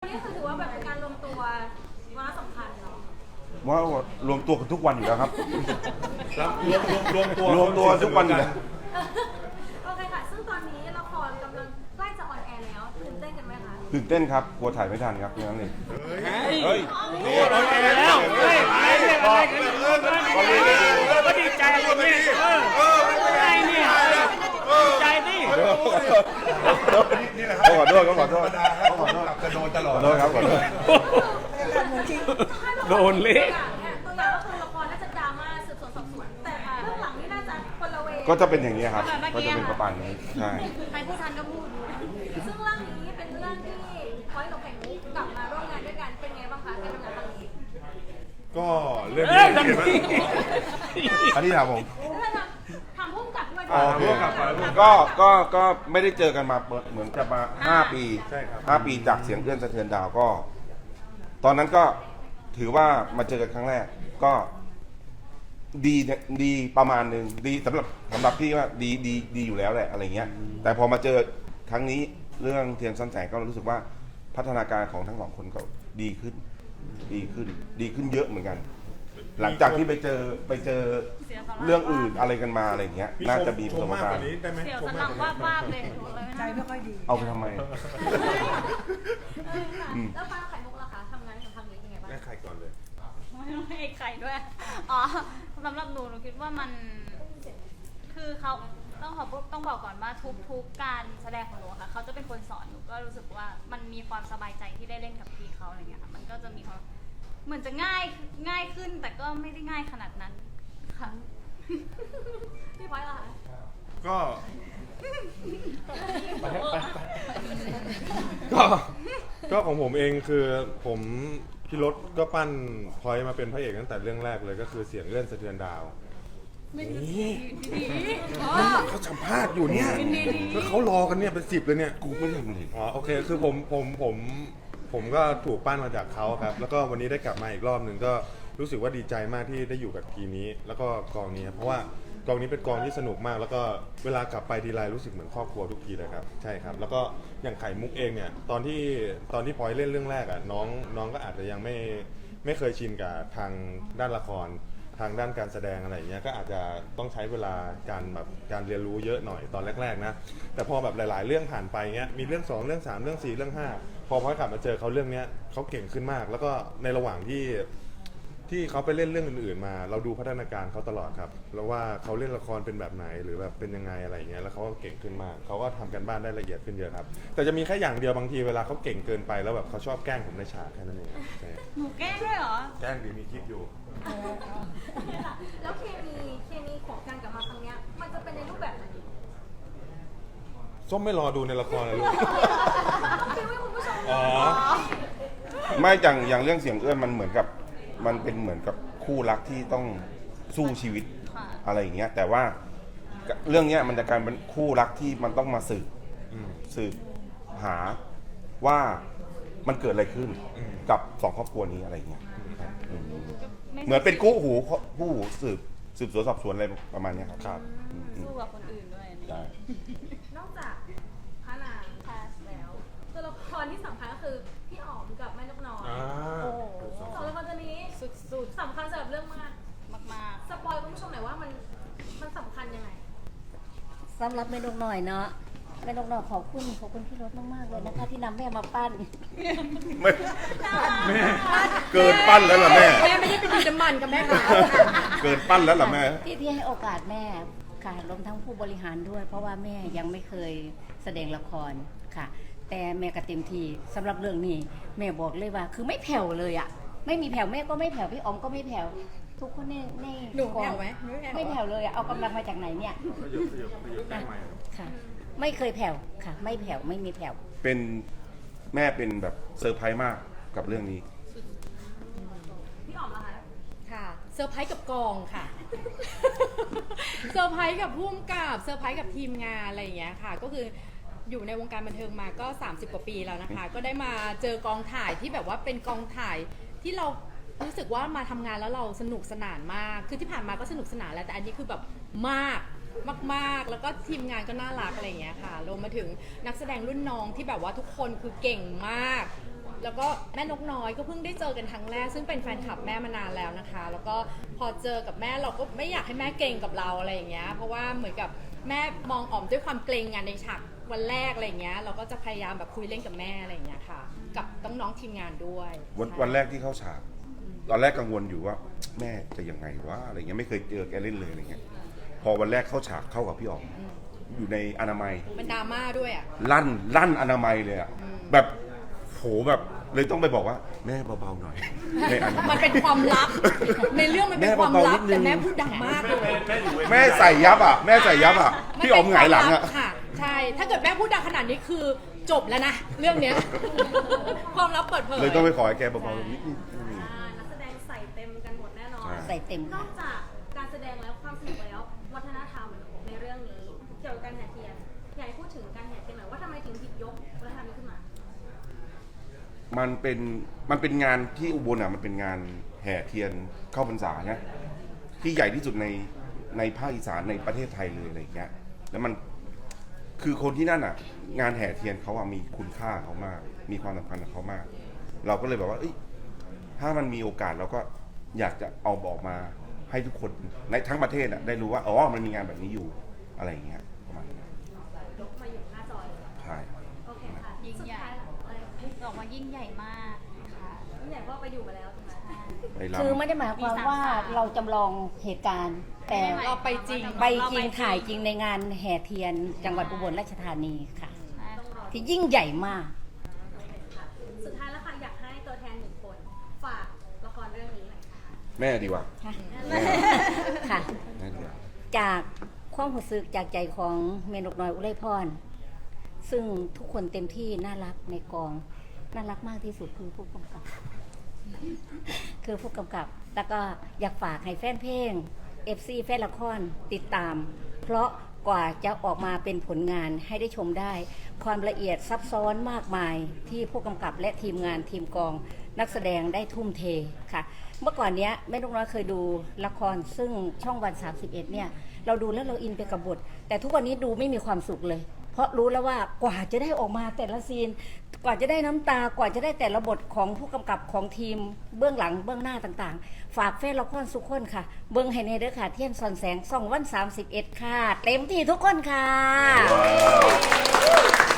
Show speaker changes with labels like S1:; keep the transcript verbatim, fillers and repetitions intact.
S1: นี่คือถือว่าแบบเป็นการรวมตัววาระสำคัญเนาะ
S2: ว่ารวมตัวกันทุกวันอยู่แล้วครับ
S3: รวมรวมรวมตัว
S2: รวมตัวทุกวันอยู่แล้ว
S1: โอเคค่ะซึ่งตอนนี้ละครกำลังใกล้จะออนแอร์แล้วตื่นเต้นกันไหมคะ
S2: ตื่นเต้นครับกลัวถ่ายไม่ทันครับอย่างนั้นเลยเฮ้ย
S3: นี่ออนแอร์แล้วเฮ้ยอะไรเนี่ยอะไรกันเนี่ยก็ดีใจอะไรเนี่ยเอออะไรเนี่ยดีใจดิ
S2: นี่แหละครับขอโทษขอโทษขอโทษ
S3: กระโดนตลอด
S2: ขอโทษครับขอโทษ
S3: โดนเละ
S1: ตัวอย่างก็คือละครน่าจะดราม่าสืบสวนสอบสวนแต่เรื่องหลังนี่น่าจะคนละเว
S2: ก็จะเป็นอย่างนี้ครับก็จะเป็นประมาณนี้ใช่
S1: ใครพูดทันก็พูดซึ่งเรื่องนี้เป็นเรื่องที่พอยต์กับไข่มุกกลับมาร่วมงานด้วยกันเป็นไงบ้างคะการทำงานครั้งนี้
S3: ก็เรื่องนี้
S2: อันนี้ถามผม
S1: ทำพุ่มกับด้วย
S2: ก็ก็ก็ไม่ได้เจอกันมาเหมือนจะมาห้าปี
S3: ใช่ครับ
S2: ห้าปีจากเสียงเอื้อนสะเทือนดาวก็ตอนนั้นก็ถือว่ามาเจอกันครั้งแรกก็ดีดีประมาณหนึ่งดีสำหรับสำหรับพี่ว่าดีดีดีอยู่แล้วแหละอะไรเงี้ยแต่พอมาเจอครั้งนี้เรื่องเทียนซ่อนแสงก็รู้สึกว่าพัฒนาการของทั้งสองคนก็ดีขึ้นดีขึ้นดีขึ้นเยอะเหมือนกันหลังจากที่ไปเจอไปเจอเรื่องอื่นอะไรกันมาอะไรเงี้ยน่าจะมีประสบการณ์
S1: เสียวสลังว่าว่าเลยใจไม่ค่อยดี
S2: เอาไปทำไม
S1: แล้วป้าไข่มุกล่ะคะทำงานกับทางนี้ยังไงบ้าง
S3: แม่ไข่ก่อนเลย
S1: ไม่ต้องให้ไข่ด้วยอ๋อสำหรับหนูหนูคิดว่ามันคือเขาต้องขอต้องบอกก่อนว่าทุกทุกการแสดงของหนูค่ะเขาจะเป็นคนสอนหนูก็รู้สึกว่ามันมีความสบายใจที่ได้เล่นกับพี่เขาอะไรเงี้ยค่ะมันก็จะมีความเหมือนจะง่ายง่ายขึ้นแต่ก็ไม่ได้ง่ายขนาดนั้นค่ะพี่พลอยล่ะคะ
S3: ก็ก็ก็ของผมเองคือผมพี่รถก็ปั้นพลอยมาเป็นพระเอกตั้งแต่เรื่องแรกเลยก็คือเสียงเลื่อนสะเทือนดาวนี่เขาสัมภาษณ์อยู่เนี่ยแล้วเขารอกันเนี่ยเป็นสิบเลยเนี่ย
S2: กูไม่ทำเลย
S3: อ๋อโอเคคือผมผมผมผมก็ถูกปั้นมาจากเขาครับแล้วก็วันนี้ได้กลับมาอีกรอบหนึ่งก็รู้สึกว่าดีใจมากที่ได้อยู่กับทีมนี้แล้วก็กองนี้เพราะว่ากองนี้เป็นกองที่สนุกมากแล้วก็เวลากลับไปทีไรรู้สึกเหมือนครอบครัวทุกทีเลยครับใช่ครับแล้วก็อย่างไข่มุกเองเนี่ยตอนที่ตอนที่พลอยเล่นเรื่องแรกอ่ะน้องน้องก็อาจจะยังไม่ไม่เคยชินกับทางด้านละครทางด้านการแสดงอะไรเงี้ยก็อาจจะต้องใช้เวลาการแบบการเรียนรู้เยอะหน่อยตอนแรกๆนะแต่พอแบบหลายๆเรื่องผ่านไปเงี้ยมีเรื่องสองเรื่องสามเรื่องสี่เรื่องห้าพอพลอยกลับมาเจอเขาเรื่องเนี้ยเขาเก่งขึ้นมากแล้วก็ในระหว่างที่ที่เขาไปเล่นเรื่องอื่นๆมาเราดูพัฒนาการเขาตลอดครับแล้วว่าเขาเล่นละครเป็นแบบไหนหรือแบบเป็นยังไงอะไรเงี้ยแล้วเขาก็เก่งขึ้นมากเขาก็ทำกันบ้านได้ละเอียดขึ้นเยอะครับแต่จะมีแค่อย่างเดียวบางทีเวลาเขาเก่งเกินไปแล้วแบบเขาชอบแกล้งผมในฉากแค่นั้นเอง
S1: หนูแกล้งด้วยเหรอ
S3: แกล้งดีมีคลิปอยู่
S1: แล้วเคมีเคมีของการกลับมาครั้งนี้มันจะเป็นในรูปแบบไหน
S3: ส้มไม่รอดูในละครเลยลูก
S1: คิดว่าคุณผู้ชม
S3: อ๋อ
S2: ไม่อย่างอย่างเรื่องเสียงเอื้อนมันเหมือนกับมันเป็นเหมือนกับคู่รักที่ต้องสู้ชีวิตอะไรอย่างเงี้ยแต่ว่าเรื่องเนี้ยมันจะกลายเป็นคู่รักที่มันต้องมาสืบสืบหาว่ามันเกิดอะไรขึ้นกับสองครอบครัวนี้อะไรเงี้ยเหมือนเป็นคู่หูคู่หูสืบสืบสวนสอบสวนอะไรประมาณนี้ครับ
S3: ครับ
S1: สู้กับคนอื่นด้วย
S2: ได้
S1: นอกจากพระนางแคสแล้วตัวละครที่สำคัญก็คือพี่อ๋อมกับแม่นกน้อยโอ้สองละครตัวนี้สุดๆสำคัญสำหรับเรื่องมากมากๆสปอยคุณผู้ชมหน่อยว่ามันมันสำคัญยังไง
S4: สำหรับแม่นกน้อยเนาะแม่นกน้อยขอบคุณขอบคุณพี่รถมากๆเลยนะคะที่นำแม่มาปั้น
S2: แม่เกินปั้นแล้วล่ะแม่
S1: แม่ไม่ได้เป็นดินน้ำมันกับแม่ค่ะ
S2: เกินปั้นแล้วล่ะแม่
S4: ที่ที่ให้โอกาสแม่ค่ะรวมทั้งผู้บริหารด้วยเพราะว่าแม่ยังไม่เคยแสดงละครค่ะแต่แม่ก็เต็มที่สำหรับเรื่องนี้แม่บอกเลยว่าคือไม่แผ่วเลยอ่ะไม่มีแผ่วแม่ก็ไม่แผ่วพี่อ๋อมก็ไม่แผ่วทุกคนในใน
S1: หนูแผ่วไหม
S4: ไม่แผ่วเลยอ่ะเอากำลังมาจากไหนเนี่ยค่ะไม่เคยแผ่วค่ะไม่แผ่วไม่มีแผ่ว
S2: เป็นแม่เป็นแบบเซอร์ไพรส์มากกับเรื่องนี้
S1: พี่อ๋อมล่ะคะ
S5: ค่ะเซอร์ไพรส์กับกองค่ะเซอร์ไพรส์กับผู้กำกับเซอร์ไพรส์กับทีมงานอะไรอย่างเงี้ยค่ะก็คืออยู่ในวงการบันเทิงมาก็สามสิบกว่าปีแล้วนะคะก็ได้มาเจอกองถ่ายที่แบบว่าเป็นกองถ่ายที่เรารู้สึกว่ามาทำงานแล้วเราสนุกสนานมากคือที่ผ่านมาก็สนุกสนานแล้วแต่อันนี้คือแบบมากมากๆแล้วก็ทีมงานก็น่ารักอะไรอย่างเงี้ยค่ะรวมมาถึงนักแสดงรุ่นน้องที่แบบว่าทุกคนคือเก่งมากแล้วก็แม่นกน้อยก็เพิ่งได้เจอกันครั้งแรกซึ่งเป็นแฟนคลับแม่มานานแล้วนะคะ แล้วก็พอเจอกับแม่เราก็ไม่อยากให้แม่เกรงกับเราอะไรอย่างเงี้ยเพราะว่าเหมือนกับแม่มองอ๋อมด้วยความเกรงงานในฉากวันแรกอะไรอย่างเงี้ยเราก็จะพยายามแบบคุยเล่นกับแม่อะไรอย่างเงี้ยค่ะ กับน้องๆทีมงานด้วย
S2: วัน
S5: ใช่
S2: วันแรกที่เข้าฉาก ตอนแรกกังวลอยู่ว่า แม่จะยังไงวะอะไรเงี้ยไม่เคยเจอแกเล่นเลยอะไรเงี้ยพอวันแรกเข้าฉากเข้ากับพี่อ๋อมอยู่ในอนามัย
S5: มันดราม่าด้วยอ่ะ
S2: ลั่นลั่นอนามัยเลยอะแบบโหแบบเลยต้องไปบอกว่าแม่เบาๆหน่อยในอนามั
S5: มั
S2: ย
S5: นเป็นความลับ ในเรื่องมันเป็นความลับ
S2: แม่เบาๆนิดนึง
S5: แต่แม่พูดดังมากเลย
S2: แม่ใส่ยับอ่ะแม่ใส่ยับอ่ะพี่อ๋อมหงายหลังอ่ะ
S5: มันเป็นความลับค่ะ ใช่ ถ้าเกิดแม่พูดดังขนาดนี้คือจบแล้วนะ เรื่องเนี้ย ความลับเปิดเผย
S2: เลยต้องไปขอให้แกเบาๆนิดนึง
S6: อ่านักแสดงใส่เต็มกันหมดแน่นอน
S2: ใช่
S4: ใส่เต็ม
S6: นอกจากการแสดงแล้วความสนุกแล้ววัฒนธรรมในเรื่องนี้เกี่ยวกับการแห่เทียนอยากให้พูดถึงการแห่เทียนหน่อยว่าทำไมถึงหยิบยกวัฒนธรรมนี้ขึ้นมา
S2: มันเป็นมันเป็นงานที่อุบลอ่ะมันเป็นงานแห่เทียนเข้าพรรษานะที่ใหญ่ที่สุดในในภาคอีสานในประเทศไทยเลยอะไรอย่างเงี้ยแล้วมันคือคนที่นั่นอ่ะ งานแห่เทียนเขาอ่ะมีคุณค่าเขามาก มีความสำคัญกับเขามาก เราก็เลยแบบว่าเอ้ยถ้ามันมีโอกาสเราก็อยากจะเอาบอกมาให้ทุกคนในทั้งประเทศอ่ะได้รู้ว่าอ๋อมันมีงานแบบนี้อยู่อะไรอย่างเงี้ยประมาณนี้
S6: ยกมาอยู่หน้าจอเลย
S2: ใช่
S6: โอเคค่ะ
S1: ยิ่ง
S6: สุด
S1: ใหญ่
S6: ท้ายแล้วอะไร
S1: บอกว่ายิ่งใหญ่มากค่ะ
S6: ยิ่งใหญ่เพราะว่าไปอยู่มาแล้วถูกไหม
S2: ไป
S4: คือ
S2: รำ
S4: ไม่ได้หมายความว่าเราจำลองเหตุการณ์ แต่
S5: เราไปจริง
S4: ไปจริงถ่ายจริงในงานแห่เทียนจังหวัดอุบลราชธานีค่ะ
S1: ใช่
S6: ต้องรอ
S4: ที่ยิ่งใหญ่มาก
S6: โอเคค่ะสุดท้ายแล้วค่ะอยากให้ตัวแทนหนึ่งคนฝากละครเรื่องนี้หน่อยค่ะ
S2: แม่ดีกว่า
S4: ค่ะ
S2: แม่
S4: ค่ะ
S2: แม่ดีกว่า
S4: จากความรู้สึกจากใจของเมนกน้อยอุไรพร ซึ่งทุกคนเต็มที่น่ารักในกอง น่ารักมากที่สุดคือผู้กำกับ คือผู้กำกับ แล้วก็อยากฝากให้แฟนเพลง เอฟ ซี แฟนละครติดตาม เพราะกว่าจะออกมาเป็นผลงานให้ได้ชมได้ ความละเอียดซับซ้อนมากมายที่ผู้กำกับและทีมงานทีมกองนักแสดงได้ทุ่มเทค่ะ เมื่อก่อนเนี้ยแม่นกน้อยเคยดูละครซึ่งช่องวันสามสิบเอ็ดเนี่ยเราดูแล้วเราอินไปกับบท แต่ทุกวันนี้ดูไม่มีความสุขเลย เพราะรู้แล้วว่ากว่าจะได้ออกมาแต่ละซีน กว่าจะได้น้ำตากว่าจะได้แต่ละบทของผู้กำกับของทีมเบื้องหลังเบื้องหน้าต่างๆ ฝากแฟนละครสุกคนค่ะ เบิ้งให้ในเด้อค่ะเทียนซอนแสงส่องวันสามสิบเอ็ดค่ะ เต็มที่ทุกคนค่ะ